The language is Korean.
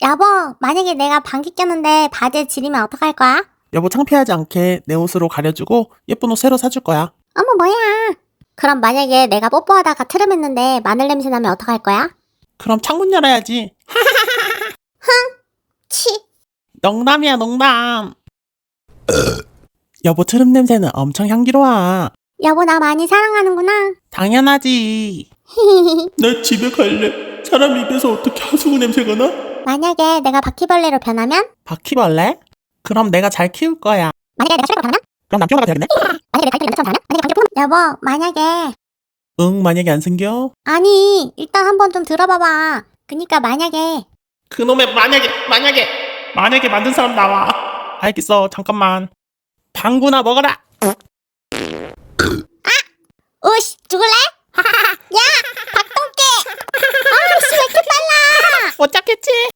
여보, 만약에 내가 방귀 꼈는데 바지에 지리면 어떡할 거야? 여보 창피하지 않게 내 옷으로 가려주고 예쁜 옷 새로 사줄 거야. 어머, 뭐야. 그럼 만약에 내가 뽀뽀하다가 트름했는데 마늘 냄새 나면 어떡할 거야? 그럼 창문 열어야지. 치. 농담이야, 농담. 여보 트름 냄새는 엄청 향기로워. 여보, 나 많이 사랑하는구나. 당연하지. 나 집에 갈래. 사람 입에서 어떻게 하수구 냄새가 나? 만약에 내가 바퀴벌레로 변하면? 바퀴벌레? 그럼 내가 잘 키울 거야. 만약에 내가 쓰레기로 변하면? 그럼 남편아가 되겠네? 만약에 내가 달팽이 남자처럼 변하면? 만약에 방귀 뿜으면? 여보, 만약에. 응, 만약에 안 생겨? 아니, 일단 한번 좀 들어봐봐. 그니까 만약에. 그놈의 만약에 만든 사람 나와. 알겠어, 잠깐만. 방구나 먹어라. 으씨, 죽을래? 야, 박동깨! 아, 씨, 왜 이렇게 빨라? 못 잡겠지?